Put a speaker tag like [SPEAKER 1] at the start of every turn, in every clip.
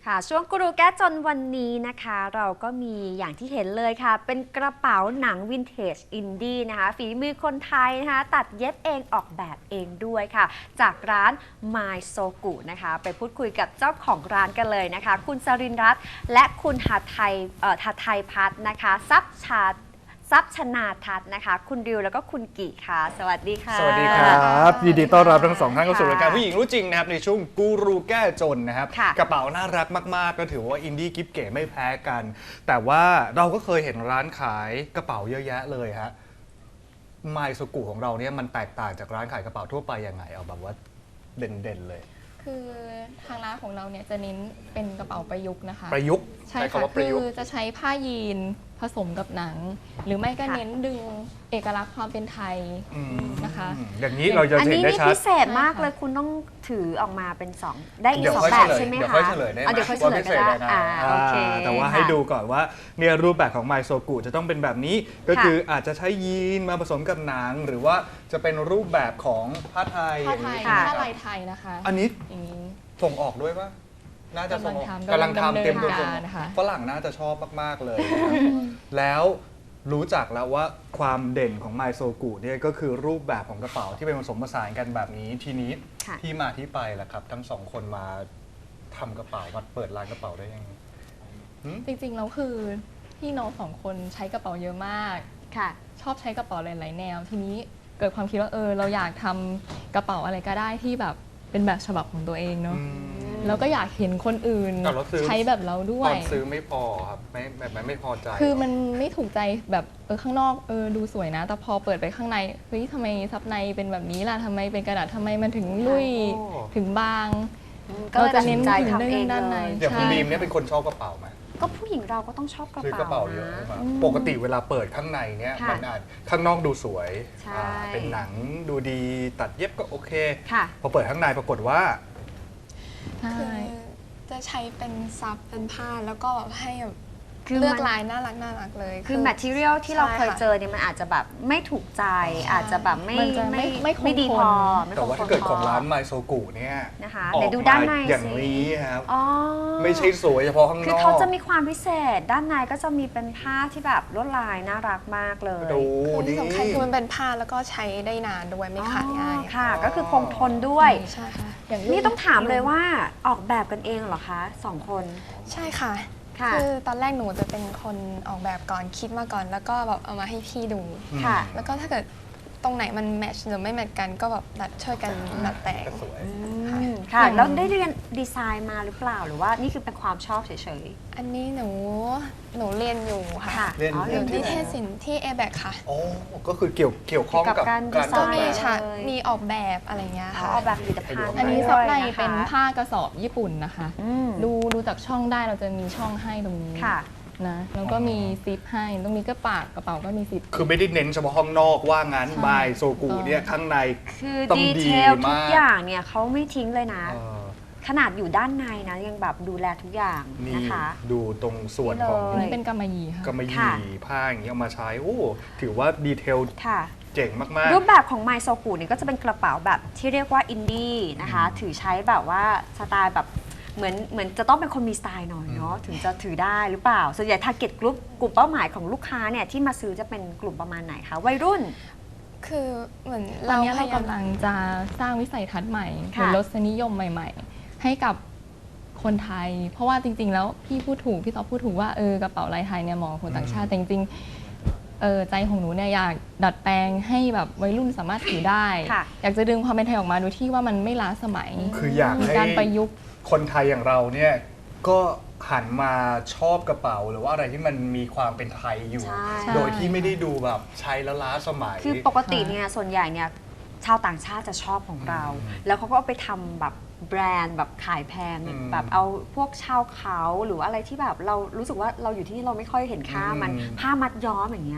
[SPEAKER 1] ค่ะช่วงกูรูแก้จนวันนี้นะคะเราก็มีอย่างที่เห็นเลยค่ะเป็นกระเป๋าหนังวินเทจอินดี้นะคะฝีมือคนไทยนะคะตัดเย็บเองออกแบบเองด้วยค่ะจากร้าน My Sogu นะคะไปพูดคุยกับเจ้าของร้านกันเลยนะคะคุณสรินทร์รัตน์และคุณหัทไทยพัฒน์นะคะทรัพย์ชนาทัศน์นะคะคุณดิวแล้วก็คุณกิค่ะสวัสดีค่ะ
[SPEAKER 2] สวัสดีครับยินดีต้อนรับทั้งสองท่านเข้าสู่รายการผู้หญิงรู้จริงนะครับในช่วงกูรูแก้จนนะครับกระเป๋าน่ารักมากๆก็ถือว่าอินดี้กิ๊บเก๋ไม่แพ้กันแต่ว่าเราก็เคยเห็นร้านขายกระเป๋าเยอะแยะเลยฮะไมโซกุของเราเนี่ยมันแตกต่างจากร้านขายกระเป๋าทั่วไปยังไงเอาแบบว่าเด่นๆเลย
[SPEAKER 3] คือทางร้านของเราเนี่ยจะเน้นเป็นกระเป๋าประยุกต์นะคะ
[SPEAKER 2] ประยุกต์
[SPEAKER 3] ใช่ค่ะคือจะใช้ผ้ายีนผสมกับหนังหรือไม่ก็เน้นดึงเอกลักษณ์ความเป็นไทยนะคะ
[SPEAKER 2] อย่างนี้เราจะเห็นได้ชัด
[SPEAKER 1] อันนี้พิเศษมากเลยคุณต้องถือออกมาเป็น2ได้อีก2แบบใช่ไหมคะ
[SPEAKER 2] เดี๋ยวค่อยเฉลยได้ไหม
[SPEAKER 1] เดี๋ยวค่อยเฉลยก็ได้โอเค
[SPEAKER 2] แต่ว่าให้ดูก่อนว่าเนี่ยรูปแบบของไมโซกุจะต้องเป็นแบบนี้ก็คืออาจจะใช้ยีนมาผสมกับหนังหรือว่าจะเป็นรูปแบบของผ้าไทย
[SPEAKER 3] ผ้าลายไทยนะคะ
[SPEAKER 2] อันนี้
[SPEAKER 3] อย่างนี้
[SPEAKER 2] ส่งออกด้วยปะน่าจะส่งออกกำลังทำเต็มตัวฝรั่งน่าจะชอบมากๆเลยแล้วรู้จักแล้วว่าความเด่นของไมโซกุเนี่ยก็คือรูปแบบของกระเป๋าที่เป็นผสมผสานกันแบบนี้ทีนี้ที่มาที่ไปแหละครับทั้งสองคนมาทำกระเป๋ามาเปิดร้านกระเป๋าได้ยังไง
[SPEAKER 3] จริงๆแล้วคือพี่น้องสองคนใช้กระเป๋าเยอะมาก
[SPEAKER 1] ค่ะ
[SPEAKER 3] ชอบใช้กระเป๋าหลายๆแนวทีนี้เกิดความคิดว่าเราอยากทำกระเป๋าอะไรก็ได้ที่แบบเป็นแบบฉบับของตัวเองเนาะแล้วก็อยากเห็นคนอื่นใช้แบบเราด้วย
[SPEAKER 2] ตอนซื้อไม่พอครับไม่พอใจ
[SPEAKER 3] คือมันไม่ถูกใจแบบข้างนอกดูสวยนะแต่พอเปิดไปข้างในเฮ้ยทำไมซับในเป็นแบบนี้ล่ะทำไมเป็นกระดาษทำไมมันถึงลุยถึงบาง
[SPEAKER 1] ก็จะเน้นใจทำเอง
[SPEAKER 3] ด้านใน
[SPEAKER 2] อย่างคุณบีมเนี่ยเป็นคนชอบกระเป๋าไหม
[SPEAKER 1] ก็ผู้หญิงเราก็ต้องชอบกระเป๋า
[SPEAKER 2] ซื้อกระเป๋าเยอะใช่ไหมปกติเวลาเปิดข้างในเนี่ยมันอาจข้างนอกดูสวยเป็นหนังดูดีตัดเย็บก็โอเคพอเปิดข้างในปรากฏว่า
[SPEAKER 4] คือจะใช้เป็นซับเป็นผ้าแล้วก็ให้เลือกลายน่ารักเลย
[SPEAKER 1] คือ material ที่เราเคยเจอเนี่ยมันอาจจะแบบไม่ถูกใจอาจจะแบบไม่ดีพอ
[SPEAKER 2] แต่ว่าถ้าเกิดของร้านไมโซกุเนี่ย
[SPEAKER 1] นะคะเดี๋ยวดูด้านใน
[SPEAKER 2] อย่างนี้ครับไม่ใช่สวยเฉพาะข้างนอก
[SPEAKER 1] คือเขาจะมีความพิเศษด้านในก็จะมีเป็นผ้าที่แบบลวดลายน่ารักมากเลย
[SPEAKER 4] คือที่สำคัญคือมันเป็นผ้าแล้วก็ใช้ได้นานด้วยไม่ขาดง่าย
[SPEAKER 1] ค่ะก็คือคงทนด้วย
[SPEAKER 4] ใช่ค่ะ
[SPEAKER 1] นี่ต้องถามเลยว่าออกแบบกันเองเหรอคะ2 คน
[SPEAKER 4] ใช่ค่ะคือตอนแรกหนูจะเป็นคนออกแบบก่อนคิดมาก่อนแล้วก็แบบเอามาให้พี่ดู
[SPEAKER 1] ค่ะ
[SPEAKER 4] แล้วก็ถ้าเกิดตรงไหนมันแมทช์หรือไม่แมทช์กันก็แบบช่วยกันดัดแต่ง
[SPEAKER 1] ค่ะแล้วได้เรียนดีไซน์มาหรือเปล่าหรือว่านี่คือเป็นความชอบเฉย
[SPEAKER 4] ๆอันนี้หนูเรียนอยู่ค่ะ
[SPEAKER 2] เรียน
[SPEAKER 4] อยู่ที่เทศศิลป์ที่ ABAC ค่ะ
[SPEAKER 2] อ๋อก็คือเกี่ยวข้องกับ
[SPEAKER 1] การ
[SPEAKER 4] ก็มีออกแบบอะไรเงี้ยค่ะ
[SPEAKER 1] ออกแบบผลิตภัณฑ์
[SPEAKER 3] อันนี้ซับในเป็นผ้ากระสอบญี่ปุ่นนะคะดูจากช่องได้เราจะมีช่องให้ตรงนี้นะแล้วก็มีซิปให้ตรงนี้ก็ปากกระเป๋าก็มีซิป
[SPEAKER 2] คือไม่ได้เน้นเฉพาะห้องนอกว่างั้นไมโซกุเนี่ยข้างใน
[SPEAKER 1] คือดีเทลทุกอย่างเนี่ยเขาไม่ทิ้งเลยนะขนาดอยู่ด้านในนะยังแบบดูแลทุกอย่างนะคะ
[SPEAKER 2] ดูตรงส่วนของ
[SPEAKER 3] นี่เป็นกำมะหยี่ค่ะ
[SPEAKER 2] กำมะหยี่ผ้าอย่างเงี้ยเอามาใช้โอ้ถือว่าดีเทลเจ๋งมาก
[SPEAKER 1] ๆรูปแบบของไมโซกุเนี่ยก็จะเป็นกระเป๋าแบบที่เรียกว่าอินดี้นะคะถือใช้แบบว่าสไตล์แบบเหมือนจะต้องเป็นคนมีสไตล์หน่อยเนาะถึงจะถือได้หรือเปล่าส่วนใหญ่ target group กลุ่มเป้าหมายของลูกค้าเนี่ยที่มาซื้อจะเป็นกลุ่มประมาณไหนคะวัยรุ่น
[SPEAKER 4] คือเหมือน
[SPEAKER 3] ตอนนี้เรากำลังจะสร้างวิสัยทัศน์ใหม่หรือรสนิยมใหม่ๆให้กับคนไทยเพราะว่าจริงๆแล้วพี่ต๊อบพูดถูกว่ากระเป๋าลายไทยเนี่ยเหมาะกับคนต่างชาติแต่จริงๆใจของหนูเนี่ยอยากดัดแปลงให้แบบวัยรุ่นสามารถถือได้อยากจะดึงความเป็นไทยออกมาโดยที่ว่ามันไม่ล้าสมัย
[SPEAKER 2] คืออยากให้
[SPEAKER 3] การประยุกต์
[SPEAKER 2] คนไทยอย่างเราเนี่ยก็หันมาชอบกระเป๋าหรือว่าอะไรที่มันมีความเป็นไทยอยู่โดยที่ไม่ได้ดูแบบใช้แล้วล้าสมัย
[SPEAKER 1] คือปกติเนี่ยส่วนใหญ่เนี่ยชาวต่างชาติจะชอบของเราแล้วเขาก็เอาไปทำแบบแบรนด์แบบขายแพงแบบเอาพวกชาวเขาหรืออะไรที่แบบเรารู้สึกว่าเราอยู่ที่นี่เราไม่ค่อยเห็นค่ามันผ้ามัดย้อมอย่างเงี้ย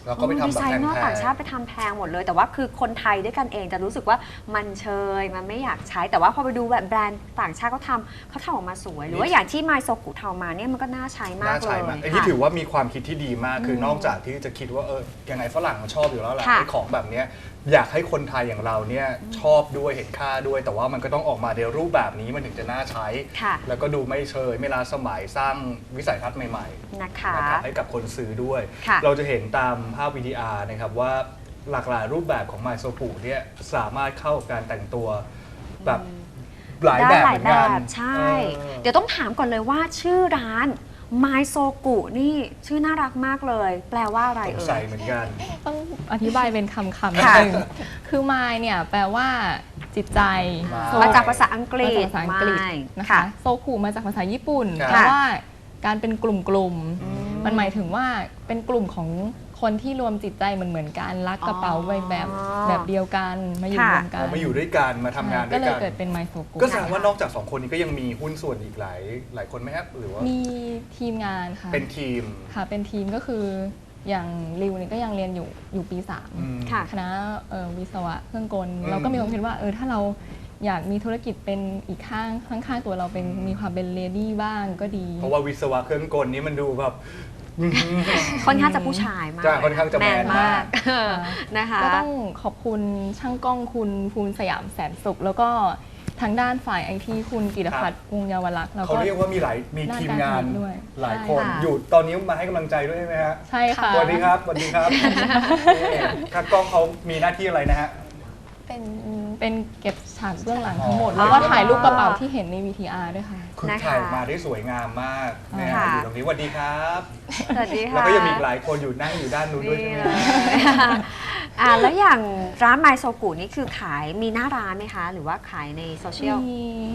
[SPEAKER 2] แล้วก็ไปทำ
[SPEAKER 1] ดี
[SPEAKER 2] แบบ
[SPEAKER 1] ไซ
[SPEAKER 2] แพ
[SPEAKER 1] เนอร์
[SPEAKER 2] ง
[SPEAKER 1] ต่างชาติไปทำแพงหมดเลย แต่ว่าคือคนไทยด้วยกันเองจะรู้สึกว่ามันเชยมันไม่อยากใช้ แต่ว่าพอไปดูแบบแบรนด์ต่างชาติเขาทำออกมาสวย หรือว่าอย่างที่ไมโซกุทำมาเนี่ยมันก็น่าใช้
[SPEAKER 2] ๆ
[SPEAKER 1] มาก
[SPEAKER 2] น่า
[SPEAKER 1] เล
[SPEAKER 2] ใช้
[SPEAKER 1] ย
[SPEAKER 2] มากอันนี้ถือว่ามีความคิดที่ดีมากคือนอกจากที่จะคิดว่ายังไงฝรั่งมันชอบอยู่แล้วแหละ
[SPEAKER 1] ค่ะ
[SPEAKER 2] ไอ้ของแบบเนี้ยอยากให้คนไทยอย่างเราเนี่ยชอบด้วยเห็นค่าด้วย แต่ว่ามันก็ต้องออกมาในรูปแบบนี้มันถึงจะน่าใช้
[SPEAKER 1] ค่ะ
[SPEAKER 2] แล้วก็ดูไม่เชยไม่ล้าสมัยสร้างวิสัยทัศน์ใหม่ๆ
[SPEAKER 1] นะคะ
[SPEAKER 2] นะครับให้กับคนซื้อด้วย
[SPEAKER 1] ค่ะ
[SPEAKER 2] เราจะเห็นตามภาพ VTR นะครับว่าหลากหลายรูปแบบของไมโซกุเนี่ยสามารถเข้ากับการแต่งตัวแบบหลายแบบ
[SPEAKER 1] ได้
[SPEAKER 2] เหมือนกัน
[SPEAKER 1] ใช่ เดี๋ยวต้องถามก่อนเลยว่าชื่อร้านไมโซกุนี่ชื่อน่ารักมากเลย แปลว่าอะไร
[SPEAKER 2] สง
[SPEAKER 1] เอ่
[SPEAKER 2] สัย
[SPEAKER 1] ย
[SPEAKER 2] เหมือนกัน
[SPEAKER 3] ต้องอธิบายเป็นคำๆนิด
[SPEAKER 1] ค่ะ
[SPEAKER 3] นึงคือ mind เนี่ยแปลว่าจิตใจ
[SPEAKER 2] Mind
[SPEAKER 1] มาจากภาษาอังกฤ
[SPEAKER 3] มา
[SPEAKER 1] ษ
[SPEAKER 3] จากภาษาอังกฤษ
[SPEAKER 1] ไม่
[SPEAKER 3] นะคะ
[SPEAKER 1] ค่ะ
[SPEAKER 3] โซคุมาจากภาษาญี่ปุ่น
[SPEAKER 2] ค่ะ
[SPEAKER 3] แปลว่าการเป็นกลุ่มๆมันหมายถึงว่าเป็นกลุ่มของคนที่รวมจิตใจเหมือนกันรักกระเป๋าใบแบบเดียวกันมาอยู่
[SPEAKER 1] ค่ะ
[SPEAKER 3] รวมกัน
[SPEAKER 2] มาอยู่ด้วยกันมาทำงานด้
[SPEAKER 3] ก็
[SPEAKER 2] วย
[SPEAKER 3] เลย
[SPEAKER 2] กัน
[SPEAKER 3] เกิดเป็นไมโซกุ
[SPEAKER 2] ก็แสดงว่านอกจาก2คนนี้ก็ยังมีหุ้นส่วนอีกหลายคนไหมครับหรือว่า
[SPEAKER 3] มีทีมงานค่ะ
[SPEAKER 2] เป็นทีม
[SPEAKER 3] ค่ะเป็นทีมก็คืออย่างริวเนี่ยก็ยังเรียนอยู่ปี
[SPEAKER 2] อืม
[SPEAKER 1] ค่ะ
[SPEAKER 3] 3 คณะวิศวะเครื่องกล
[SPEAKER 2] อืม
[SPEAKER 3] เราก็มีความคิดว่าถ้าเราอยากมีธุรกิจเป็นอีกข้างตัวเราเป็นมีความเป็นเลดี้บ้างก็ดี
[SPEAKER 2] เพราะว่าวิศวะเครื่องกลนี้มันดูแบบ
[SPEAKER 1] ค่อนข้างจะผู้ชายมาก
[SPEAKER 2] ใช่ค่อนข้างจะแมนมาก
[SPEAKER 1] นะคะ
[SPEAKER 3] ก็ต้องขอบคุณช่างกล้องคุณภูมิสยามแสนสุข แล้วก็ทางด้านฝ่ายไอทีคุณกิตพัฒน์วงศ์เยาวลักษณ์แล้ว
[SPEAKER 2] เขา
[SPEAKER 3] ก็
[SPEAKER 2] เรียกว่ามีทีมงาน
[SPEAKER 3] ด้านการผลิตด้วย
[SPEAKER 2] หลายคน
[SPEAKER 1] ใช่ค่ะ
[SPEAKER 2] อยู่ตอนนี้มาให้กำลังใจด้วยใช่ไหมฮะ
[SPEAKER 3] ใช่ค่ะ
[SPEAKER 2] สวัสดีครับสวัสดีครับคัดกล้องเขามีหน้าที่อะไรนะฮะ
[SPEAKER 3] เป็นเก็บฉากเบื้องหลังทั้งหมด
[SPEAKER 2] อ๋อ
[SPEAKER 3] แล้วก็ถ่ายรูปกระเป๋าที่เห็นใน VTR ด้วยค่ะ
[SPEAKER 2] คือ
[SPEAKER 1] นะคะ
[SPEAKER 2] ถ่ายมาได้สวยงามมากนะฮะ
[SPEAKER 1] ค่ะ
[SPEAKER 2] อยู่ตรงนี้สวัสดีครับ
[SPEAKER 1] สวัสดีค่ะ
[SPEAKER 2] แล้วก็ยังมีอีกหลายคนอยู่นั่งอยู่ด้านนู้นด้วยใช่ไหม
[SPEAKER 1] นี่เลยแล้วอย่างร้านไมโซกุนี่คือขายมีหน้าร้านไหมคะ หรือว่าขายในโซเชียล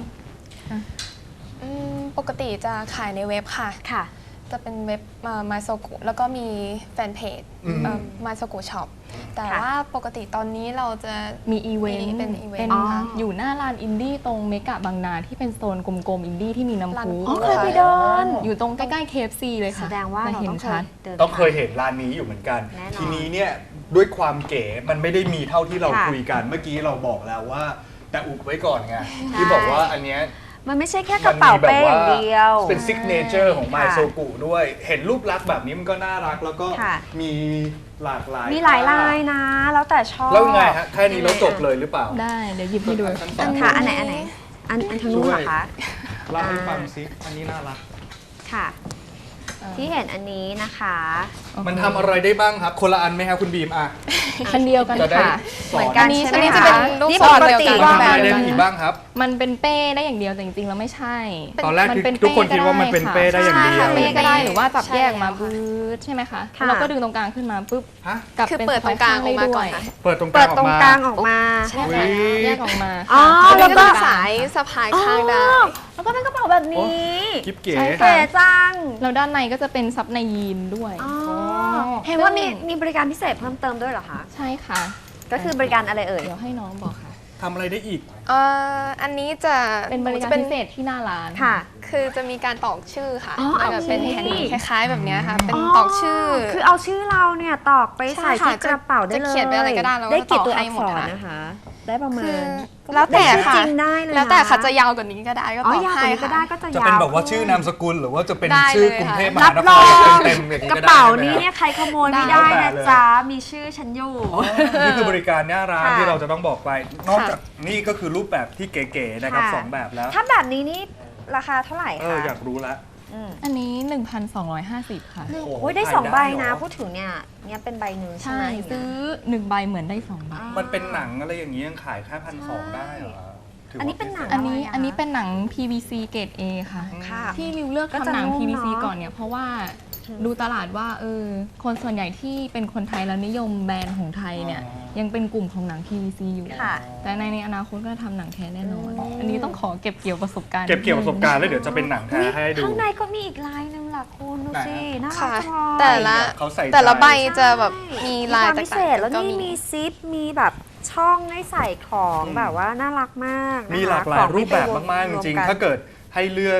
[SPEAKER 4] ปกติจะขายในเว็บค่ะ
[SPEAKER 1] ค่ะ
[SPEAKER 4] จะเป็นเว็บมาโซกุแล้วก็มีแฟนเพจมาโซกุช็อปแต่
[SPEAKER 1] ค่ะ
[SPEAKER 4] ว่าปกติตอนนี้เราจะ
[SPEAKER 3] มีอีเวนต์
[SPEAKER 4] เป็นอีเวนต์
[SPEAKER 3] เป็น
[SPEAKER 1] อ๋อ
[SPEAKER 3] อยู่หน้าลานอินดี้ตรงเมกะบางนาที่เป็นโซนกลมๆอินดี้ที่มีน้ำ
[SPEAKER 4] ร้าน
[SPEAKER 3] พุ
[SPEAKER 1] อ๋อเคยไปเดิน
[SPEAKER 3] อยู่ตรงใกล้ๆ KFC เลย
[SPEAKER 1] แส
[SPEAKER 3] ค่ะ
[SPEAKER 1] ดงว่า
[SPEAKER 3] จะ
[SPEAKER 1] เรา
[SPEAKER 3] เห็
[SPEAKER 1] ต้
[SPEAKER 3] น
[SPEAKER 1] องเค
[SPEAKER 3] ชั
[SPEAKER 1] ย
[SPEAKER 3] ด
[SPEAKER 1] เดิน
[SPEAKER 2] ต้องเคยเห็นร้านนี้อยู่เหมือนกัน
[SPEAKER 1] แน่นอน
[SPEAKER 2] ทีนี้เนี่ยด้วยความเก๋มันไม่ได้มีเท่าที่เรา
[SPEAKER 1] ค่ะ
[SPEAKER 2] คุยกันเมื่อกี้เราบอกแล้วว่า แต่อุบไว้ก่อนไงที่บอกว่าอันเนี้ย
[SPEAKER 1] มันไม่ใช่แค่กระเป๋าเป้อย่างเดียว
[SPEAKER 2] เป็นซิกเนเจอร์ของไม
[SPEAKER 1] ค่ะ
[SPEAKER 2] โซกุด้วย เห็นรูปลักษณ์แบบนี้มันก็น่ารักแล้วก็
[SPEAKER 1] ค่ะ
[SPEAKER 2] มีหลากหลาย
[SPEAKER 1] มีหลายลายนะ แล้วแต่ชอบ
[SPEAKER 2] แล้วไงฮะแค่นี้แล้วจบเลยหรือเปล่า
[SPEAKER 3] ได้เดี๋ยวหยิบให้ดู
[SPEAKER 2] ทั้งส
[SPEAKER 1] อั
[SPEAKER 2] อง
[SPEAKER 1] นค่ะอันไหนอันทางนู้นเหรอคะ
[SPEAKER 2] เล่าให้ฟังซิอันนี้น่ารัก
[SPEAKER 1] ค่ะ ที่เห็นอันนี้นะคะ
[SPEAKER 2] มันทำอะไรได้บ้างครับ คนละอันไหมครับคุณบีมอ่ะ
[SPEAKER 3] อันเดียวกัน
[SPEAKER 2] จะได้
[SPEAKER 3] ค่ะ
[SPEAKER 2] สอน
[SPEAKER 1] กัน
[SPEAKER 3] อันนี้
[SPEAKER 1] ใช่ไหม
[SPEAKER 3] ใช่ไหม
[SPEAKER 1] คะ
[SPEAKER 3] คะ
[SPEAKER 4] รูป
[SPEAKER 1] นี่
[SPEAKER 4] ทรง
[SPEAKER 1] ปก
[SPEAKER 4] เดียว
[SPEAKER 1] ติ
[SPEAKER 4] กัน
[SPEAKER 2] มัน
[SPEAKER 1] ว่า
[SPEAKER 2] ทำอะไรได้อีกบ้างครับ
[SPEAKER 3] มันเป็นเป้ได้อย่างเดียวแต่จริงๆแล้วไม่ใช่
[SPEAKER 2] ตอนแรก
[SPEAKER 3] มั
[SPEAKER 2] คือ
[SPEAKER 3] เป็น
[SPEAKER 2] ทุกคน
[SPEAKER 3] เป้
[SPEAKER 2] คิดว่ามันเป็นเป้ได้อย่างเดียว
[SPEAKER 3] ใช่ค่ะเป้ก็ได้หรือว่าจับ
[SPEAKER 4] ใช่
[SPEAKER 3] แยกมา
[SPEAKER 4] แล้วค่ะ
[SPEAKER 3] บื้อใช่ไหมคะ
[SPEAKER 1] ค่ะ
[SPEAKER 3] เราก็ดึงตรงกลางขึ้นมาปุ๊บ
[SPEAKER 2] ฮะ
[SPEAKER 3] กลับ
[SPEAKER 4] คือ
[SPEAKER 3] เป็น
[SPEAKER 4] เปิดตรงกลางออกมาก่อน
[SPEAKER 3] ได้
[SPEAKER 4] ค่ะ
[SPEAKER 3] ด้วย
[SPEAKER 2] เปิดตรงก
[SPEAKER 1] เปิ
[SPEAKER 2] ลา
[SPEAKER 1] ด
[SPEAKER 2] งอ
[SPEAKER 1] ต
[SPEAKER 2] อ
[SPEAKER 1] รง
[SPEAKER 2] กมา
[SPEAKER 1] กลางออกมา
[SPEAKER 4] ใช่
[SPEAKER 2] อุ๊
[SPEAKER 4] ค่ะ
[SPEAKER 2] ย
[SPEAKER 3] แยกออกมา
[SPEAKER 1] อ๋อ
[SPEAKER 3] ค่ะ
[SPEAKER 1] แล้วก็
[SPEAKER 4] สายสะพายข้างได้
[SPEAKER 1] แล้วก็เป็นกระเป๋าแบบนี้
[SPEAKER 2] กิ๊บเก๋
[SPEAKER 3] ใช่
[SPEAKER 1] เก๋จัง
[SPEAKER 3] แล้วด้านในก็จะเป็นซับในยีนด้วย
[SPEAKER 1] อ๋อเห็นว่ามีบริการพิเศษเพิ่มเติมด้วยเหรอคะ
[SPEAKER 3] ใช่ค่ะ
[SPEAKER 1] ก็คือบริการอะไรเอ่ย
[SPEAKER 3] เดี๋ยวให้น้องบอกค่ะ
[SPEAKER 2] ทำอะไรได้อีก
[SPEAKER 4] อันนี้จะ
[SPEAKER 3] เป็นบริการ
[SPEAKER 4] จะ
[SPEAKER 3] พิเศษที่หน้าร้าน
[SPEAKER 1] ค่ะ
[SPEAKER 4] คือจะมีการตอกชื่อค่ะ
[SPEAKER 1] อ๋อ
[SPEAKER 4] มันแบบเป็น
[SPEAKER 1] โอเค
[SPEAKER 4] แผ่นคล้ายๆแบบเนี้ยค่ะ เป็นตอกชื่อ
[SPEAKER 1] คือเอาชื่อเราเนี่ยตอกไปใส่
[SPEAKER 4] ใช่
[SPEAKER 1] ที่
[SPEAKER 4] ค่ะ
[SPEAKER 1] กระเป๋าได้เลย
[SPEAKER 4] จะเขียนไปอะไรก็ได้แล้วก็
[SPEAKER 1] ได้กี่ตัว
[SPEAKER 4] ต่อให้
[SPEAKER 1] อัก
[SPEAKER 4] หม
[SPEAKER 1] ษ
[SPEAKER 4] ด
[SPEAKER 1] ร
[SPEAKER 4] ค่ะ
[SPEAKER 1] นะคะ ได้ประมา
[SPEAKER 4] คือ
[SPEAKER 1] ณ
[SPEAKER 4] แล้วแต่ค่ะ
[SPEAKER 1] ได้ชื่อจริงได้เลยนะ
[SPEAKER 4] แล้วแต่ค่ะจะยาวกว่านี้ก็ได้ก็
[SPEAKER 1] อ๋อ
[SPEAKER 4] ต่อย
[SPEAKER 1] าวก
[SPEAKER 4] ให้
[SPEAKER 1] ว่านี้ก็ได้
[SPEAKER 4] ค่ะ
[SPEAKER 1] ก็จะ
[SPEAKER 2] จะ
[SPEAKER 1] ยาว
[SPEAKER 2] เป็นแบบว่าชื่อนามสกุลหรือว่าจะเป็น
[SPEAKER 4] ได้
[SPEAKER 2] ชื่อ
[SPEAKER 4] เลย
[SPEAKER 2] กรุงเทพม
[SPEAKER 1] รั
[SPEAKER 2] หา
[SPEAKER 1] บ
[SPEAKER 2] น
[SPEAKER 1] ร
[SPEAKER 2] ค
[SPEAKER 1] อ
[SPEAKER 2] ร
[SPEAKER 1] ง
[SPEAKER 2] เต็มๆอย่างนี้
[SPEAKER 1] ก
[SPEAKER 2] ก็
[SPEAKER 1] ระ
[SPEAKER 2] ได้
[SPEAKER 1] เป๋า
[SPEAKER 2] ใช่ไหม
[SPEAKER 1] นี้
[SPEAKER 2] ฮะ
[SPEAKER 1] เนี่ยใครขโมยไม่ได้
[SPEAKER 2] ได้
[SPEAKER 1] นะ
[SPEAKER 2] เลย
[SPEAKER 1] จ๊ะ มีชื่อฉันอยู่
[SPEAKER 2] นี่คือบริการหน้าร้าน
[SPEAKER 1] ค่ะ
[SPEAKER 2] ที่เราจะต้องบอกไป นอกจากนี่ก็คือรูปแบบที่เก๋ๆนะครับ
[SPEAKER 1] ค่ะ
[SPEAKER 2] สองแบบแล้ว
[SPEAKER 1] ถ้าแบบนี้นี่ราคาเท่าไหร่
[SPEAKER 2] เอ
[SPEAKER 1] คะ
[SPEAKER 2] ออยากรู้ละ
[SPEAKER 1] ม
[SPEAKER 3] อันนี้ 1,250 ค่ะ
[SPEAKER 2] โอ้โห
[SPEAKER 1] โอ้ยได้
[SPEAKER 2] ขาย
[SPEAKER 1] สองใบ
[SPEAKER 2] ได้เหร
[SPEAKER 1] นะ
[SPEAKER 2] อ
[SPEAKER 1] พูดถึงเนี่ยเป็นใบหนึ่งใช่
[SPEAKER 3] ใช่
[SPEAKER 1] ไหม
[SPEAKER 3] ซื้อ 1 ใบเหมือนได้ 2 ใบ
[SPEAKER 2] มันเป็นหนังอะไรอย่างนี้ยังขายแค่1,200ได้เหรอถืว่า
[SPEAKER 1] อันนี้เป็นหนัง
[SPEAKER 3] อันนี้
[SPEAKER 1] อะไรอะ
[SPEAKER 3] อันนี้เป็นหนัง PVC เกรด A ค่ะ
[SPEAKER 1] ค่ะ
[SPEAKER 3] ที่ริวเลือก
[SPEAKER 1] ก็จะ
[SPEAKER 3] ทำหนัง
[SPEAKER 1] นุ่ม
[SPEAKER 3] PVC
[SPEAKER 1] เนอะ
[SPEAKER 3] ก่อนเนี่ยเพราะว่าดูตลาดว่าคนส่วนใหญ่ที่เป็นคนไทยแล้วนิยมแบรนด์ของไทยเนี่ยยังเป็นกลุ่มของหนัง PVC อยู่
[SPEAKER 1] ค่ะ
[SPEAKER 3] แต่ในอนาคตก็จะทำหนังแท้แน่นอน อันนี้ต้องขอเก็บเกี่ยวประสบการณ์
[SPEAKER 2] เก็บเกี่ยวประสบการณ์แล้วเดี๋ยวจะเป็นหนังแท้ให้ดู
[SPEAKER 1] ข้างในก็มีอีกลายหนึงล่ะคุณดูสิ
[SPEAKER 2] ไหนอะ
[SPEAKER 1] น่ารั
[SPEAKER 4] ค่ะ
[SPEAKER 1] กจังเลย
[SPEAKER 4] แต่ละ
[SPEAKER 2] เขาใส่ใจ
[SPEAKER 4] แต่ละใบจะแบบมีลาย
[SPEAKER 1] ความ
[SPEAKER 4] ต่าง
[SPEAKER 1] พิเศษแล้ว
[SPEAKER 4] ๆก็
[SPEAKER 1] นี่
[SPEAKER 4] มี
[SPEAKER 1] มีซิปมีแบบช่องให้ใส่ของแบบว่าน่ารักมากนะคะ
[SPEAKER 2] มีหลากหลายรูปแบบมากๆจริงๆ ถ้า
[SPEAKER 1] เกิด
[SPEAKER 2] เกิดให้เลือกใ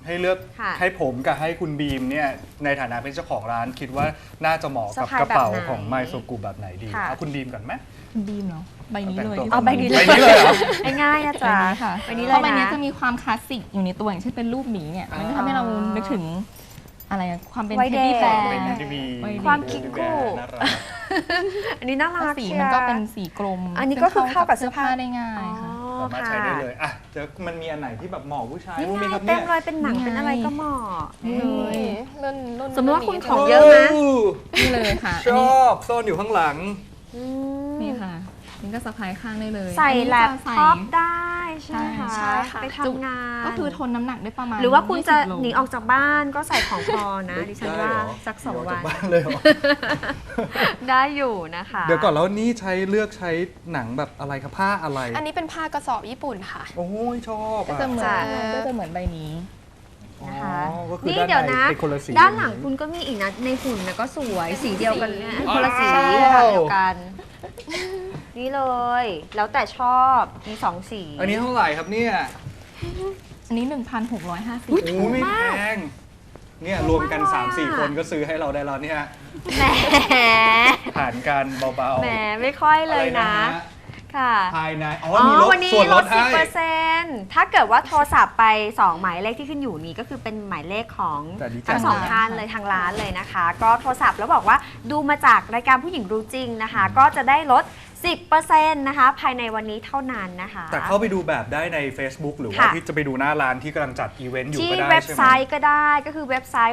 [SPEAKER 2] ให้เลือก
[SPEAKER 1] ค่ะ
[SPEAKER 2] ให้ผมกับให้คุณบีมเนี่ยในฐานะเป็นเจ้าของร้านคิดว่าน่าจะเหมาะกับกระเป๋าของไมโซกุแบบไหนดี
[SPEAKER 1] ค่ะ
[SPEAKER 2] เอาคุณบีมก่อนไหม
[SPEAKER 3] ดีมเนาะใบนี้เลย
[SPEAKER 2] แต่งตัว
[SPEAKER 1] เอาใบนี้เลย
[SPEAKER 2] ใบนี้เลยเหรอ
[SPEAKER 1] ง่ายๆนะ
[SPEAKER 3] ใบ
[SPEAKER 1] จ๊ะ
[SPEAKER 3] นี้ค่ะ
[SPEAKER 1] ใบนี้
[SPEAKER 3] เพ
[SPEAKER 1] เลย
[SPEAKER 3] ราะใบนี้
[SPEAKER 1] นะ
[SPEAKER 3] จะมีความคลาสสิกอยู่ในตัวอย่างเช่นเป็นรูปหมีเนี่ยมันก็ทำให้เรานึกถึงอะไรอะความเป็น
[SPEAKER 1] วัย
[SPEAKER 3] เท
[SPEAKER 1] เด็
[SPEAKER 3] ดดี้
[SPEAKER 1] ก
[SPEAKER 3] แบร์
[SPEAKER 2] เป็นทีวี
[SPEAKER 1] ความคิกกู
[SPEAKER 2] น่ารัก
[SPEAKER 1] อันนี้น่ารัก
[SPEAKER 3] สี
[SPEAKER 1] ชีย
[SPEAKER 3] มันก็เป็นสีกลม
[SPEAKER 1] อันนี้ก็คือเข้ากับเสื้อผ้า
[SPEAKER 3] ได้ง่าย
[SPEAKER 1] อ๋อ
[SPEAKER 3] ค่ะ
[SPEAKER 2] สามารถใช้ได้เลยอ่ะเดี๋ยวมันมีอันไหนที่แบบเหมาะผู้ชาย
[SPEAKER 1] นี่
[SPEAKER 2] บ้างไหม
[SPEAKER 1] ไง
[SPEAKER 2] ครับ
[SPEAKER 1] เต็
[SPEAKER 2] เนี่
[SPEAKER 1] ม
[SPEAKER 2] ย
[SPEAKER 1] เลยเป็นหนัง
[SPEAKER 3] นี่ไง
[SPEAKER 1] เป็นอะไรก็เหมาะ
[SPEAKER 3] นี่
[SPEAKER 4] รุ่น
[SPEAKER 1] สมมติว่าคุณ
[SPEAKER 4] นี้
[SPEAKER 1] ของเยอะไหม
[SPEAKER 3] นี่เลยค่ะ
[SPEAKER 2] ชอบซ่อนอยู่ข้างหลัง
[SPEAKER 1] อืม
[SPEAKER 3] นี่ค่ะนี่ก็สะพายข้างได้เลย
[SPEAKER 1] ใส่
[SPEAKER 3] อันนี้
[SPEAKER 1] แล็ป
[SPEAKER 3] จะใส่
[SPEAKER 1] ท็อปได้ใช่ไหมคะ
[SPEAKER 4] ใช่ค่ะ
[SPEAKER 1] ไปทำงาน
[SPEAKER 3] ก็คือทนน้ำหนักได้ประมาณ
[SPEAKER 1] หรือว่าคุณจะ
[SPEAKER 3] 20โล
[SPEAKER 1] หนีออกจากบ้านก็ใส่ของพอนะ ดิฉันว่าสักสอง
[SPEAKER 2] เดี๋ย
[SPEAKER 1] วั
[SPEAKER 2] จาก
[SPEAKER 1] น
[SPEAKER 2] บ้านเลยเหรอ
[SPEAKER 1] ได้อยู่นะคะ
[SPEAKER 2] เดี๋ยวก่อนแล้วนี่เลือกใช้หนังแบบอะไรครับผ้าอะไร
[SPEAKER 4] อันนี้เป็นผ้ากระสอบญี่ปุ่นค่ะ
[SPEAKER 2] โอ้ยชอบ
[SPEAKER 3] ก็
[SPEAKER 2] อ่ะ
[SPEAKER 3] จะเหมือน
[SPEAKER 1] จ้ะ
[SPEAKER 3] ก็จะเหมือนใบนี้
[SPEAKER 1] นะคะ
[SPEAKER 2] อ๋อก็คือ
[SPEAKER 1] นี่
[SPEAKER 2] ด้าน
[SPEAKER 1] เดี๋ยว
[SPEAKER 2] ใน
[SPEAKER 1] นะ
[SPEAKER 2] เป็นคนละสี
[SPEAKER 1] ด้านหลังคุณก็มีอีกนะ ในหุ่นนะก็สวยสีเดียวกันเนี่ยคนละสี
[SPEAKER 2] ว้าว
[SPEAKER 1] ค่ะเดียวกัน นี่เลย แล้วแต่ชอบมีสองสี
[SPEAKER 2] อันนี้เท่าไหร่ครับเนี่ย
[SPEAKER 3] อันนี้
[SPEAKER 1] อุ๊ย
[SPEAKER 3] 1,650
[SPEAKER 2] โอ้ไม่แพงเนี่ยรวมกัน
[SPEAKER 1] ถูกมาก
[SPEAKER 2] 3-4 คนก็ซื้อให้เราได้แล้วเนี่ย
[SPEAKER 1] แหม
[SPEAKER 2] ผ่านการเบาๆ
[SPEAKER 1] แหมไม่ค่อยเลยนะ
[SPEAKER 2] อะไรฮ
[SPEAKER 1] ค่ะ
[SPEAKER 2] ภายในอ๋อ
[SPEAKER 1] อ๋อ
[SPEAKER 2] มีลด
[SPEAKER 1] วันนี้
[SPEAKER 2] ส่วน
[SPEAKER 1] ล
[SPEAKER 2] ล
[SPEAKER 1] ด
[SPEAKER 2] ดให้
[SPEAKER 1] 10%ถ้าเกิดว่าโทรศัพท์ไป 2 หมายเลขที่ขึ้นอยู่นี้ก็คือเป็นหมายเลขของ
[SPEAKER 2] แต่ดีจัง
[SPEAKER 1] ทั้งสองท่านเลยทางร้านเลยนะคะ ก็โทรศัพท์แล้วบอกว่าดูมาจากรายการผู้หญิงรู้จริงนะคะ ก็จะได้ลด 10%นะคะ ภายในวันนี้เท่านั้นนะคะ
[SPEAKER 2] แต่เข้าไปดูแบบได้ใน Facebook หรือว่า
[SPEAKER 1] ค่ะ
[SPEAKER 2] ที่จะไปดูหน้าร้านที่กำลังจัดอีเวนต์อยู่
[SPEAKER 1] ที่
[SPEAKER 2] ก็ได้
[SPEAKER 1] เว็บ
[SPEAKER 2] ใช่ไห
[SPEAKER 1] ไซ
[SPEAKER 2] ม
[SPEAKER 1] ต์ก็ได้ก็คือเว็บไซต์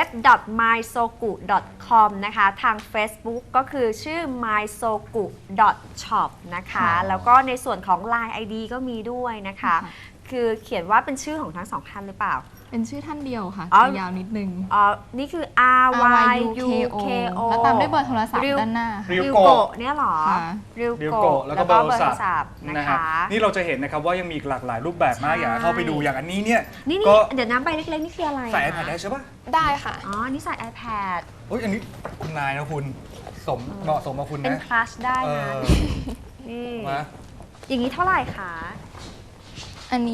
[SPEAKER 1] www.mysoku.com นะคะ ทาง Facebook ก็คือชื่อ mysoku.shop นะคะ
[SPEAKER 2] อ๋อ
[SPEAKER 1] แล้วก็ในส่วนของ Line ID ก็มีด้วยนะคะ คือเขียนว่าเป็นชื่อของทั้งสองท่านหรือเปล่า
[SPEAKER 3] เป็นชื่อท่านเดียวค่ะ
[SPEAKER 1] อ๋อ
[SPEAKER 3] จะยาวนิดนึง
[SPEAKER 1] อ๋อ นี่คือ R Y U K O
[SPEAKER 3] แล้วตามด้วยเบอร์โทรศัพท์ด้านหน้า
[SPEAKER 2] ริว
[SPEAKER 1] ริว
[SPEAKER 2] โกะ
[SPEAKER 1] โกะเนี่ยเหรอ
[SPEAKER 3] ค่ะ
[SPEAKER 1] ริว
[SPEAKER 2] ริว
[SPEAKER 1] โกะ
[SPEAKER 2] โกะแล้วก็เบอร์โทรศัพท์
[SPEAKER 1] นะ
[SPEAKER 2] นะครั
[SPEAKER 1] คะ
[SPEAKER 2] บนี่เราจะเห็นนะครับว่ายังมีอีกหลากหลายรูปแบบมาก
[SPEAKER 1] ใช่
[SPEAKER 2] อยากเข้าไปดูอย่างอันนี้เนี่ย
[SPEAKER 1] นี่
[SPEAKER 2] ก็
[SPEAKER 1] เดี๋ยวน้ำใบเล็กๆ นี่คืออะไร
[SPEAKER 2] ใส่
[SPEAKER 1] อะ
[SPEAKER 2] iPad ได้ใช่ปะ
[SPEAKER 4] ได้ค่ะ
[SPEAKER 1] อ๋อ นี่ใส่ iPad
[SPEAKER 2] โอ้ยอันนี้คุณนายนะคุณเหมาะสมกับคุณ
[SPEAKER 1] เป็น
[SPEAKER 2] นะ
[SPEAKER 1] คลาสได้
[SPEAKER 2] เอ
[SPEAKER 1] นะ
[SPEAKER 2] อ
[SPEAKER 1] นี่
[SPEAKER 2] มา
[SPEAKER 1] อย่างนี้เท่าไหร่คะ
[SPEAKER 3] อันนี้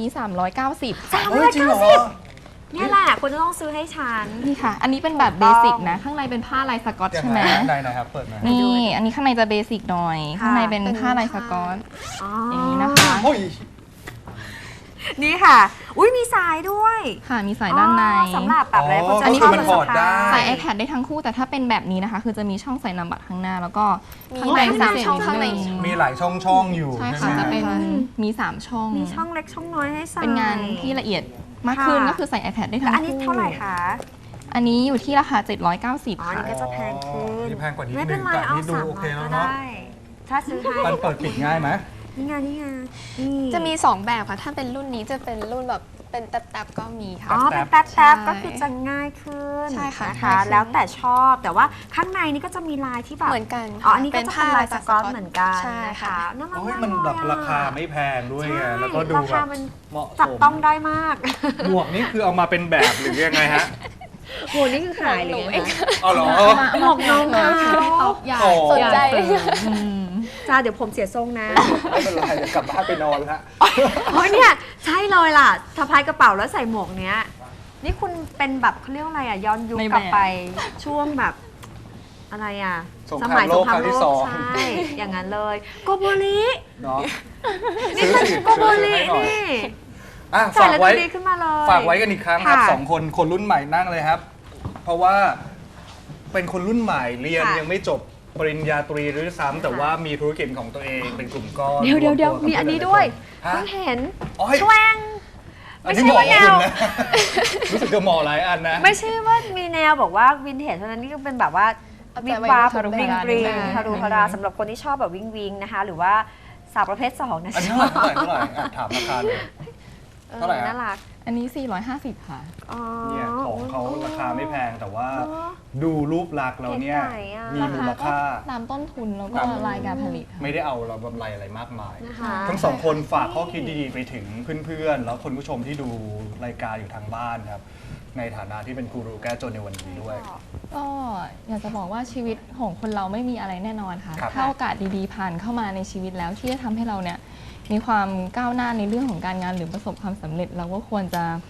[SPEAKER 3] 390
[SPEAKER 1] สาม
[SPEAKER 2] เฮ้
[SPEAKER 1] ร้อย
[SPEAKER 2] ยจริงเหร
[SPEAKER 1] เก้า
[SPEAKER 2] อ
[SPEAKER 1] สิบเนี่ยแหละคุณจะต้องซื้อให้ฉัน
[SPEAKER 3] นี่ค่ะ อันนี้เป็นแบบเบสิกนะ ข้างในเป็นผ้าลายสก๊อต
[SPEAKER 2] ยัง
[SPEAKER 3] ใช่
[SPEAKER 2] ไง
[SPEAKER 3] ไหม
[SPEAKER 2] ไหนครับเปิดมา
[SPEAKER 3] นี่ อันนี้ข้างในจะเบสิกหน่อย
[SPEAKER 1] ค่ะ
[SPEAKER 3] ข้างในเป็นผ้าลายสก๊อต
[SPEAKER 1] อ๋อ
[SPEAKER 3] อ
[SPEAKER 1] อย่าง
[SPEAKER 3] นี้นะคะ
[SPEAKER 2] โอ้ย
[SPEAKER 1] นี่ค่ะ อุ้ยมีสายด้วย
[SPEAKER 3] ค่ะ มีสายด้านใน
[SPEAKER 1] อ๋อสำหรับแบบอะไรคนจะ
[SPEAKER 2] อันนี้คือมันถอดได้
[SPEAKER 3] ใส่ iPad ได้ทั้งคู่ แต่ถ้าเป็นแบบนี้นะคะ คือจะมีช่องใส่นามบัตรข้างหน้า แล้วก็
[SPEAKER 4] มี
[SPEAKER 3] ข้างใน
[SPEAKER 4] ข้างใน
[SPEAKER 3] สาม
[SPEAKER 4] ช่องข้างใน
[SPEAKER 2] มีหลายช่องอยู่
[SPEAKER 3] ใช่
[SPEAKER 2] ใช่
[SPEAKER 3] ค่ะ
[SPEAKER 2] ไหม
[SPEAKER 3] จะเป็นมี 3 ช่อง
[SPEAKER 1] มีช่องเล็กช่องน้อยให้ใส่
[SPEAKER 3] เป็นงานที่ละเอียดมากขึ้น
[SPEAKER 1] ค่ะ
[SPEAKER 3] ก็คือใส่ iPad ได้
[SPEAKER 1] แล้
[SPEAKER 3] ทั้
[SPEAKER 1] ว
[SPEAKER 3] ง
[SPEAKER 1] อันนี้
[SPEAKER 3] คู่
[SPEAKER 1] เท่าไหร่คะ
[SPEAKER 3] อันนี้อยู่ที่ราคา 790
[SPEAKER 1] อ๋ออัน
[SPEAKER 3] ค่ะ
[SPEAKER 1] นี้ก็จะแพงขึ้น
[SPEAKER 2] นี่แพงกว่านิด
[SPEAKER 1] ไม่
[SPEAKER 2] นึ
[SPEAKER 1] เป็น
[SPEAKER 2] ง
[SPEAKER 1] ไร
[SPEAKER 2] แต่
[SPEAKER 1] เอา
[SPEAKER 2] นี่ดู
[SPEAKER 1] 300
[SPEAKER 2] โอเคแล้ว
[SPEAKER 1] ก็
[SPEAKER 2] เนาะ
[SPEAKER 1] ได้ ถ้าซื้อให้
[SPEAKER 2] มันเปิดปิดง่ายไหม
[SPEAKER 1] นี่ไงนี่ไงนี่
[SPEAKER 4] จะมี 2 แบบค่ะ ถ้าเป็นรุ่นนี้จะเป็นรุ่นแบบเป็นแต๊บๆก็มีค่ะ
[SPEAKER 1] อ๋อ
[SPEAKER 2] แป๊
[SPEAKER 1] เป็น
[SPEAKER 2] บ
[SPEAKER 1] แป๊บๆ
[SPEAKER 4] ใช่
[SPEAKER 1] ก็คือจะง่ายขึ้น
[SPEAKER 4] ใช่ค่ะ
[SPEAKER 1] นะคะ
[SPEAKER 4] ง่ายขึ้น
[SPEAKER 1] แล้วแต่ชอบแต่ว่าข้างในนี่ก็จะมีลายที่แบบ
[SPEAKER 4] เหมือนกัน
[SPEAKER 1] อ๋ออันนี้ก็จะเป็นลายสก๊อตเหมือนกัน
[SPEAKER 4] ใช่
[SPEAKER 1] นะคะ
[SPEAKER 4] ค่ะ
[SPEAKER 1] น่ารัก
[SPEAKER 2] โอ้ย
[SPEAKER 1] มาก
[SPEAKER 2] มันแบบ
[SPEAKER 1] เลยอะ
[SPEAKER 2] ราคาไม่แพงด้วยไง
[SPEAKER 1] ใช่
[SPEAKER 2] แล้วก็ดู
[SPEAKER 1] รา
[SPEAKER 2] แบ
[SPEAKER 1] คา
[SPEAKER 2] บ
[SPEAKER 1] มัน
[SPEAKER 2] เหมาะส
[SPEAKER 1] จับ
[SPEAKER 2] ม
[SPEAKER 1] ต้องได้มาก
[SPEAKER 2] หมวกนี่คือเอามาเป็นแบบหรือยังไงฮะ
[SPEAKER 1] โหนี่คือขายเลย
[SPEAKER 4] หนูเอง
[SPEAKER 2] เอาเหรอ
[SPEAKER 1] หมวกน้องเขา
[SPEAKER 3] ใหญ่
[SPEAKER 2] โอ้
[SPEAKER 4] สนใจ
[SPEAKER 3] อืม
[SPEAKER 1] จ้าเดี๋ยวผมเสียทรงนะ
[SPEAKER 2] ไม่เป็นไรเดี๋ยวกลับบ้านไปนอนแล้ว
[SPEAKER 1] โอ้ยเนี่ยใช่เลยล่ะสะพายกระเป๋าแล้วใส่หมวกเนี้ย นี่คุณเป็นแบบเขาเรียกว่าอะไรอ่ะย้อนยุค
[SPEAKER 3] ในแบบ
[SPEAKER 1] กลับไปช่วงแบบอะไรอ่ะ
[SPEAKER 2] สงครามโลกครั้งที่สอง
[SPEAKER 1] ใช่อย่างนั้นเลยโกโบริ
[SPEAKER 2] เนาะ
[SPEAKER 1] นี่
[SPEAKER 2] ซื้อ
[SPEAKER 1] คือ
[SPEAKER 2] สิ
[SPEAKER 1] โกโบริ
[SPEAKER 2] ซื้อให้หน่อย
[SPEAKER 1] นี่
[SPEAKER 2] อ่ะ
[SPEAKER 1] ใส่
[SPEAKER 2] ฝาก
[SPEAKER 1] แล้ว
[SPEAKER 2] ไว้
[SPEAKER 1] ดูดีขึ้นมาเลย
[SPEAKER 2] ฝากไว้กันอีกครั้งครับ
[SPEAKER 1] ค่ะ
[SPEAKER 2] สองคนรุ่นใหม่นั่งเลยครับ เพราะว่าเป็นคนรุ่นใหม่เรียน
[SPEAKER 1] ค่ะ
[SPEAKER 2] ยังไม่จบปริญญาตรีหรือซ้ำแต่ว่ามีธุรกิจของตัวเองเป็นกลุ่มก้อน
[SPEAKER 1] เดี๋ยว
[SPEAKER 2] รตัวกับ
[SPEAKER 1] มีอันนี้ด้วย
[SPEAKER 2] ฮะ
[SPEAKER 1] เพิ่งเห็น
[SPEAKER 2] อ๋อเฮ้ย
[SPEAKER 1] แชวง
[SPEAKER 2] อัน
[SPEAKER 1] ไม่
[SPEAKER 2] นี้
[SPEAKER 1] ใช่
[SPEAKER 2] เหมาะ
[SPEAKER 1] ว่า
[SPEAKER 2] กับ
[SPEAKER 1] แนว
[SPEAKER 2] คุณนะ รู้สึกจะเหมาะหลายอันนะ
[SPEAKER 1] ไม่ใช่ว่ามีแนวบอกว่าวินเทจเท่านั้นนี่ก็เป็นแบบว่า
[SPEAKER 4] เอา
[SPEAKER 1] วิ
[SPEAKER 4] แต่
[SPEAKER 1] บ
[SPEAKER 4] ไว้
[SPEAKER 1] วับ
[SPEAKER 3] ทารุ
[SPEAKER 1] ริง
[SPEAKER 3] ณา
[SPEAKER 1] ริง
[SPEAKER 3] นิดนึง
[SPEAKER 1] ทารุณาสำหรับคนที่ชอบแบบวิงวิงนะคะ หรือว่าสาวประเภท2นะ
[SPEAKER 2] อันนี้
[SPEAKER 1] ชอบ
[SPEAKER 2] เท่าไหร่อ่ะถามราคาเลย เท่าไหร่ฮะ
[SPEAKER 1] น่ารัก
[SPEAKER 3] อันนี้ 450 ค่ะ
[SPEAKER 1] อ๋อ
[SPEAKER 2] เนี่ยของเขาราคาไม่แพงแต่ว่า
[SPEAKER 1] เนอะ
[SPEAKER 2] ดูรูปลักษณ์เราเนี่ย
[SPEAKER 1] เก๋ๆอะ
[SPEAKER 2] มีมูลค่า
[SPEAKER 3] ตามต้นทุนแล้วก็
[SPEAKER 2] ตาม
[SPEAKER 3] รายการผลิตค่ะ
[SPEAKER 2] ไม่ได้เอาเรากำไรอะไรมากมาย
[SPEAKER 1] นะคะ
[SPEAKER 2] ทั้งสองคนฝากข้อคิดดีๆไปถึงเพื่อนๆ แล้วคนผู้ชมที่ดูรายการอยู่ทางบ้านครับ ในฐานะที่เป็นกูรูแก้จนในวันนี้ด้วย
[SPEAKER 3] ก็อยากจะบอกว่าชีวิตของคนเราไม่มีอะไรแน่นอนค่ะ
[SPEAKER 2] ครับ
[SPEAKER 3] ถ้าโอกาสดีๆผ่านเข้ามาในชีวิตแล้วที่จะทำให้เราเนี่ยมีความก้าวหน้าในเรื่องของการงานหรือประสบความสำเร็จ เราก็ควรจะค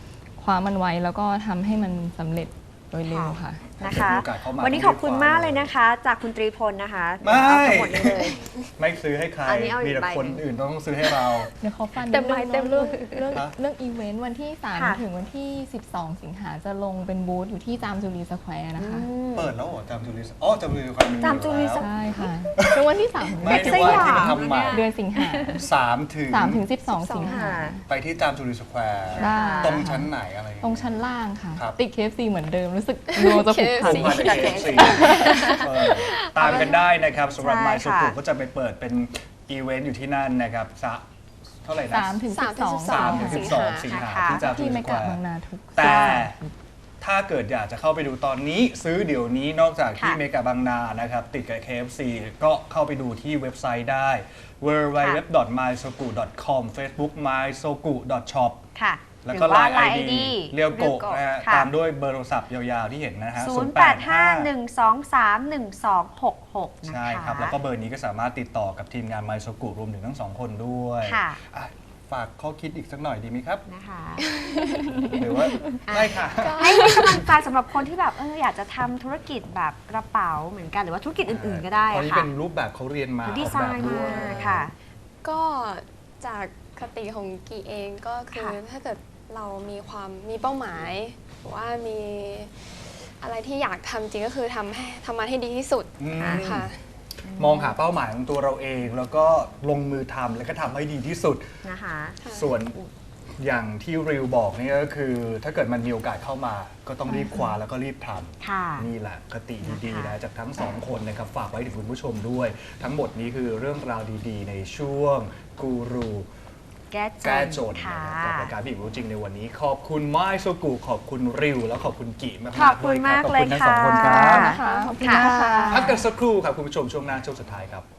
[SPEAKER 3] คว้ามันไว้แล้วก็ทำให้มันสำเร็จโดยเร็วค่ะ
[SPEAKER 1] นะคะ
[SPEAKER 2] มีโอกาสเข้ามา
[SPEAKER 1] วันนี้ขอบคุณมากเลยนะคะ จากคุณตรีพลนะคะ
[SPEAKER 2] ไม่
[SPEAKER 1] เอาทั้งหมดนี้เลย
[SPEAKER 2] ไม่ซื้อให้ใคร
[SPEAKER 1] อันนี้เอาอีก
[SPEAKER 2] มีแต่
[SPEAKER 1] ใบ
[SPEAKER 2] คนอื่นต้องซื้อให้เรา
[SPEAKER 3] เดี๋ยวขอฟัน
[SPEAKER 1] เต็มไม้เต็มมื
[SPEAKER 3] เรื่
[SPEAKER 1] อ
[SPEAKER 3] เรื่องอีเวนต์วันที่
[SPEAKER 1] ค่ะ
[SPEAKER 3] 3 ถึงวันที่ 12 สิงหาจะลงเป็นบูธอยู่ที่จามจุรีสแควร์นะคะ
[SPEAKER 2] เปิดแล้วเหรอจามจุลิสอ๋อจามจุลิสความมี
[SPEAKER 1] จามจุลิส
[SPEAKER 2] อยู่
[SPEAKER 3] ใช่ค่ะเป็นวันที่3ถึง
[SPEAKER 2] แล้วไม่ที่ว่าที่มันทำใหม่
[SPEAKER 3] เดือนสิงหา
[SPEAKER 2] 3 ถึง
[SPEAKER 3] 3 ถึง 12 สิงหา
[SPEAKER 2] ไปที่จามจุลิสแควร์
[SPEAKER 3] ได้
[SPEAKER 2] ตรงชั้นไหนอะไรอย่าง
[SPEAKER 3] ตรง
[SPEAKER 2] เงี้ย
[SPEAKER 3] ชั้นล่างค่ะ
[SPEAKER 2] ครับ
[SPEAKER 3] ติด KFC เหมือนเดิมรู้สึกดวงจะผูกพัน
[SPEAKER 2] ผมมาจาก KFC ตามกันได้นะครับสำหรับ
[SPEAKER 1] ใช่
[SPEAKER 2] ไมโซกุ
[SPEAKER 1] ค่ะ
[SPEAKER 2] ก็จะไปเปิดเป็นอีเวนต์อยู่ที่นั่นนะครับเท่าไหร่นะ
[SPEAKER 3] 3 ถึง 12
[SPEAKER 2] 3 ถึง 12 สิงหาที่จามจุ
[SPEAKER 3] ที่
[SPEAKER 2] ลิ
[SPEAKER 3] เม
[SPEAKER 2] สแคว
[SPEAKER 3] กะบาง
[SPEAKER 2] ร์
[SPEAKER 3] นาทุก
[SPEAKER 2] แต่ถ้าเกิดอยากจะเข้าไปดูตอนนี้ซื้อเดี๋ยวนี้นอกจากที่
[SPEAKER 1] ค่ะ
[SPEAKER 2] เมกะบางนานะครับติดกับ KFC ก็เข้าไปดูที่เว็บไซต์ได้ www.mysoku.com Facebook mysoku.shop
[SPEAKER 1] ค่ะ
[SPEAKER 2] แล้วก็
[SPEAKER 1] หรือว่า
[SPEAKER 2] Line
[SPEAKER 1] ID
[SPEAKER 2] ID เรียวโกะนะฮะ
[SPEAKER 1] ค่ะ
[SPEAKER 2] ตามด้วยเบอร์โทรศัพท์ยาวๆที่เห็นนะฮะ
[SPEAKER 1] 0851231266 นะคะ
[SPEAKER 2] ใช่ครับ แล้วก็เบอร์นี้ก็สามารถติดต่อกับทีมงานไมโซกุรวมถึงทั้งสองคนด้วย
[SPEAKER 1] ค่ะ
[SPEAKER 2] อ่ะฝากข้อคิดอีกสักหน่อยดีไหมครับ
[SPEAKER 1] นะคะ
[SPEAKER 2] หรือว่าได้ค่ะ
[SPEAKER 1] ให้กำลังใจสำหรับคนที่แบบอยากจะทำธุรกิจแบบกระเป๋าเหมือนกันหรือว่าธุรกิจอื่นๆก็ได้
[SPEAKER 2] ตอนนี้
[SPEAKER 1] ค่ะ
[SPEAKER 2] เป็นรูปแบบเขาเรียนมา
[SPEAKER 1] ดีไซ
[SPEAKER 2] ออกแบบ
[SPEAKER 1] น์
[SPEAKER 2] ด้
[SPEAKER 1] มา
[SPEAKER 2] วย
[SPEAKER 1] ค่ะ
[SPEAKER 4] ก็จากคติของกีเองก็คือ
[SPEAKER 1] ค่ะ
[SPEAKER 4] ถ้าเกิดเรามีเป้าหมายหรือว่ามีอะไรที่อยากทำจริงก็คือทำมันให้ดีที่สุด
[SPEAKER 2] อืม
[SPEAKER 4] ค่ะ
[SPEAKER 2] มองหาเป้าหมายของตัวเราเอง แล้วก็ลงมือทำแล้วก็ทำให้ดีที่สุด
[SPEAKER 1] นะคะ
[SPEAKER 2] ส่วนอย่างที่ริวบอกนี่ก็คือ ถ้าเกิดมันมีโอกาสเข้ามา ก็ต้องรีบคว้าแล้วก็รีบท
[SPEAKER 1] ค่ะ
[SPEAKER 2] ำนี่แหละคติดีๆ
[SPEAKER 1] นะคะ
[SPEAKER 2] นะจากทั้งสองคนนะครับฝากไว้ถึงคุณผู้ชมด้วย ทั้งหมดนี้คือเรื่องราวดีๆ ในช่วงกูรู
[SPEAKER 1] แก้
[SPEAKER 2] แก้จน
[SPEAKER 1] ค่ะ
[SPEAKER 2] นะครับกับรายการพี่รู้จริงในวันนี้ ขอบคุณไม้โซกุขอบคุณริว แล้วขอบคุณกิมากๆ
[SPEAKER 1] ขอบคุณ
[SPEAKER 2] ด้วยรับ
[SPEAKER 1] มากเลย
[SPEAKER 2] ขอบคุณทั้งสองคนครับ
[SPEAKER 3] นะคะขอบคุณ
[SPEAKER 1] ค่ะ
[SPEAKER 3] ค่ะ
[SPEAKER 2] พักกันสักครู่ครับคุณผู้ชมช่วงหน้าช่วงสุดท้ายครับ